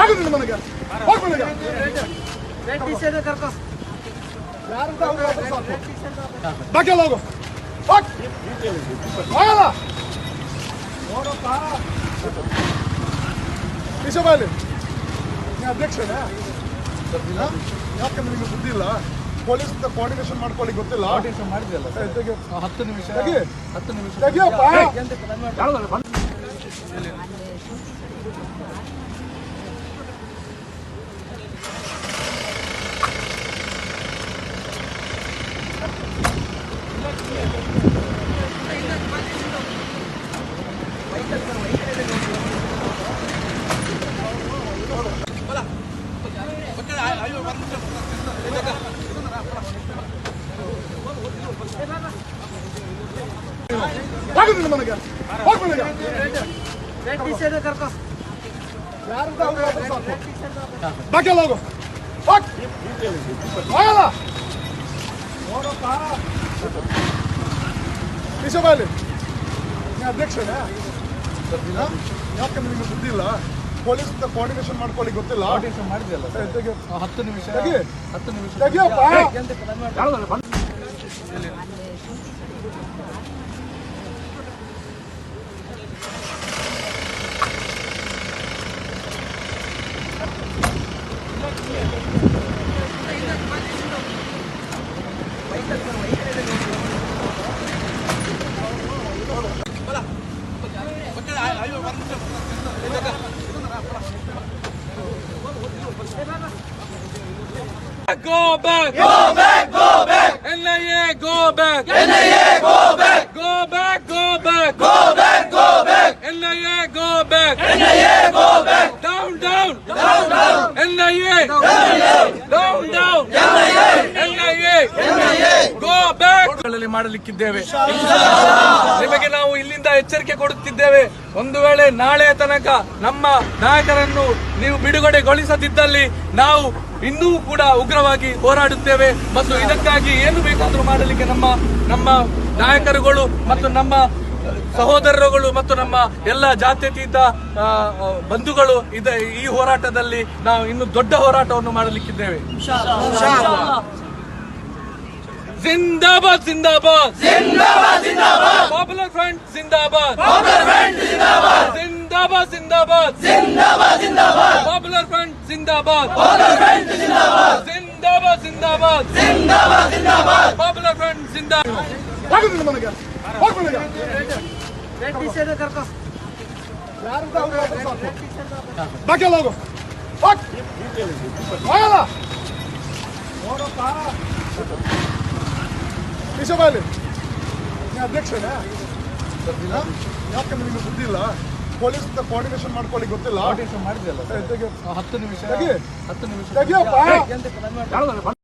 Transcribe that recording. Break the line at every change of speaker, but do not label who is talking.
ನನಗೆ ಬಾಕಿಲ್ಲ ಹೋಗು ಹೋಗಲ್ಲ ನೋಡಪ್ಪ ವಿಷಬಾಲಿ ನೀ ಅಧ್ಯಕ್ಷನೇ ಯಾಕಂದ್ರೆ ನಿಮಗೆ ಬುದ್ಧಿ ಇಲ್ಲ ಪೊಲೀಸ್ ಕೋಆರ್ಡಿನೇಷನ್ ಮಾಡ್ಕೊಳ್ಳಿಕ್ಕೆ ಗೊತ್ತಿಲ್ಲ
ಮಾಡಿದ್ರಲ್ಲ 10 ನಿಮಿಷ
ನನಗೆ ಬಾಕಿಲ್ಲ ಹೋಗು ಹೋಗಲ್ಲ ನೋಡಪ್ಪ ವಿಷಬಾಲಿ ನೀ ಅಧ್ಯಕ್ಷನೇ ಯಾಕಂದ್ರೆ ನಿಮಗೆ ಬುದ್ಧಿ ಇಲ್ಲ ಪೊಲೀಸ್ ಕೋಆರ್ಡಿನೇಷನ್ ಮಾಡ್ಕೊಳ್ಳಿಕ್ಕೆ ಗೊತ್ತಿಲ್ಲ
ಮಾಡಿದ್ರಲ್ಲ 10 ನಿಮಿಷ
Go back! Go back! Go back! NIA, go back!
NIA, go back!
Go back! Go back!
Go back! Go back!
NIA, go back!
NIA, go back!
Down, down!
Down, down!
NIA! Down, down! NIA! Go back! ಮಾಡಲಿಕ್ಕಿದ್ದೇವೆ. ನಿಮಗೆ ನಾವು ಇಲ್ಲಿಂದ ಎಚ್ಚರಿಕೆ ಕೊಡುತ್ತಿದ್ದೇವೆ. ಒಂದು ವೇಳೆ ನಾಳೆ ತನಕ ನಮ್ಮ ನಾಯಕರನ್ನು ನೀವು ಬಿಡುಗಡೆಗೊಳಿಸದಿದ್ದಲ್ಲಿ ನಾವು ಇನ್ನೂ ಕೂಡ ಉಗ್ರವಾಗಿ ಹೋರಾಡುತ್ತೇವೆ ಮತ್ತು ಇದಕ್ಕಾಗಿ ಏನು ಬೇಕಾದರೂ ಮಾಡಲಿಕ್ಕೆ ನಮ್ಮ ನಾಯಕರುಗಳು ಮತ್ತು ನಮ್ಮ ಸಹೋದರರುಗಳು ಮತ್ತು ನಮ್ಮ ಎಲ್ಲ ಜಾತ್ಯತೀತ ಬಂಧುಗಳು ಈ ಹೋರಾಟದಲ್ಲಿ ನಾವು ಇನ್ನು ದೊಡ್ಡ ಹೋರಾಟವನ್ನು ಮಾಡಲಿಕ್ಕಿದ್ದೇವೆ. जिंदाबाद जिंदाबाद
जिंदाबाद जिंदाबाद
पॉपुलर फ्रंट जिंदाबाद
पॉपुलर फ्रंट जिंदाबाद
जिंदाबाद जिंदाबाद
जिंदाबाद जिंदाबाद
पॉपुलर फ्रंट जिंदाबाद
पॉपुलर फ्रंट जिंदाबाद
जिंदाबाद जिंदाबाद
जिंदाबाद जिंदाबाद
पॉपुलर फ्रंट जिंदाबाद
ನನಗೆ ಬಾಕಿಲ್ಲ ಹೋಗು ಹೋಗಲ್ಲ ನೋಡಪ್ಪ ವಿಷಬಾಲಿ ನೀ ಅಧ್ಯಕ್ಷನೇ ಯಾಕಂದ್ರೆ ನಿಮಗೆ ಬುದ್ಧಿ ಇಲ್ಲ ಪೊಲೀಸ್ ಕೋಆರ್ಡಿನೇಷನ್ ಮಾಡ್ಕೊಳ್ಳಿಕ್ಕೆ ಗೊತ್ತಿಲ್ಲ
ಮಾಡಿದ್ರಲ್ಲ 10 ನಿಮಿಷ